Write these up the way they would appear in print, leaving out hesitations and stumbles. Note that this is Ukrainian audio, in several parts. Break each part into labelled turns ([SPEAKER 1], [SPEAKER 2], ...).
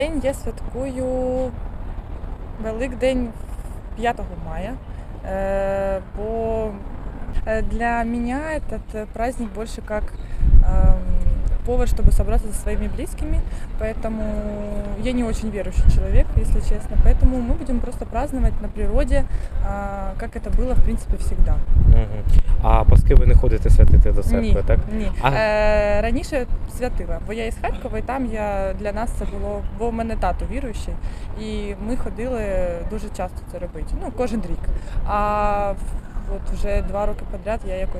[SPEAKER 1] Я святкую Великдень 5 мая, бо для меня этот праздник больше как повод, чтобы собраться со своими близкими, поэтому я не очень верующий человек, если честно, поэтому мы будем просто праздновать на природе, как это было, в принципе, всегда.
[SPEAKER 2] А паски ви не ходите святити до церкви, так?
[SPEAKER 1] Ні.
[SPEAKER 2] А-
[SPEAKER 1] Раніше святила, бо я із Харкова, і там для нас це було, бо в мене тато віруючий, і ми ходили дуже часто це робити, кожен рік. А от вже 2 роки підряд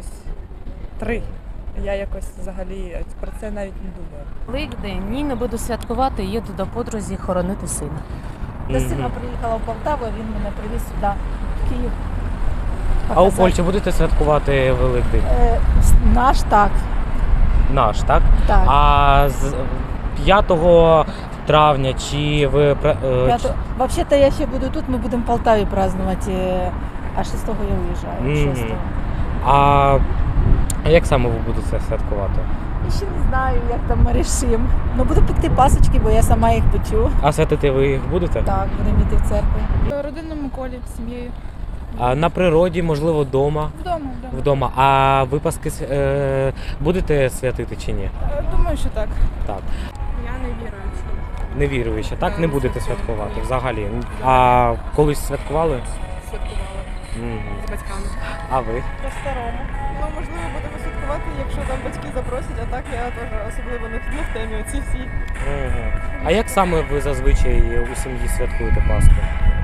[SPEAKER 1] я якось взагалі про це навіть не думаю.
[SPEAKER 3] Великдень ні, не буду святкувати, їду до подрузі хоронити сина.
[SPEAKER 4] До сина приїхала в Полтаву, він мене привіз сюди, в Київ.
[SPEAKER 2] А у Польщі будете святкувати Великдень?
[SPEAKER 4] Наш так.
[SPEAKER 2] Наш, так?
[SPEAKER 4] Так.
[SPEAKER 2] А з 5 травня чи ви...
[SPEAKER 4] Взагалі-то я ще буду тут, ми будемо в Полтаві празднувати, а 6-го я уїжджаю. 6-го.
[SPEAKER 2] А як саме ви будете святкувати?
[SPEAKER 4] І ще не знаю, як там ми рішимо. Буду пекти пасочки, бо я сама їх печу.
[SPEAKER 2] А святити ви їх будете?
[SPEAKER 4] Так, будемо йти в церкву.
[SPEAKER 5] В родинному колі з сім'єю.
[SPEAKER 2] А на природі, можливо, вдома? Вдома. А ви паски будете святити чи ні?
[SPEAKER 5] Думаю, що так.
[SPEAKER 2] Так.
[SPEAKER 5] Я не віруюча.
[SPEAKER 2] Не віруючи, так? Не
[SPEAKER 5] Не
[SPEAKER 2] будете
[SPEAKER 5] святкую.
[SPEAKER 2] святкувати взагалі? А колись святкували?
[SPEAKER 5] Святкувала з батьками.
[SPEAKER 2] А ви?
[SPEAKER 5] По-старому. Можливо, будемо святкувати, якщо там батьки запросять, а так я теж особливо не в темі оці всі.
[SPEAKER 2] А як саме ви зазвичай у сім'ї святкуєте Пасху?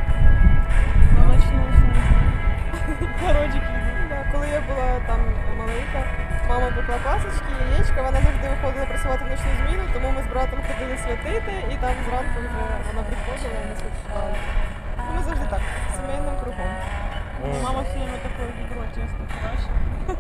[SPEAKER 5] Городик їду. Коли я була там маленька, мама пекла пасочки, яєчка, вона завжди виходила працювати в ночну зміну, тому ми з братом ходили святити, і там зранку вже вона приходила і ми святкували. Ми завжди так, сімейним кругом. Мама все время такое відро чесно краще.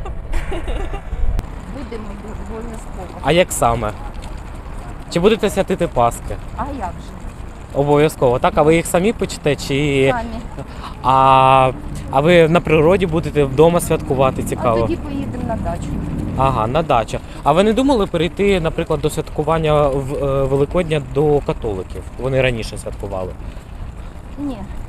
[SPEAKER 4] Будемо обов'язково.
[SPEAKER 2] А як саме? Чи будете святити Паски?
[SPEAKER 4] А як же?
[SPEAKER 2] Обов'язково, так? А ви їх самі печете? Чи...
[SPEAKER 4] Самі.
[SPEAKER 2] А ви на природі будете вдома святкувати,
[SPEAKER 4] А
[SPEAKER 2] цікаво?
[SPEAKER 4] тоді поїдемо на дачу.
[SPEAKER 2] Ага, на дачу. А ви не думали перейти, наприклад, до святкування Великодня до католиків? Вони раніше святкували.
[SPEAKER 4] Ні.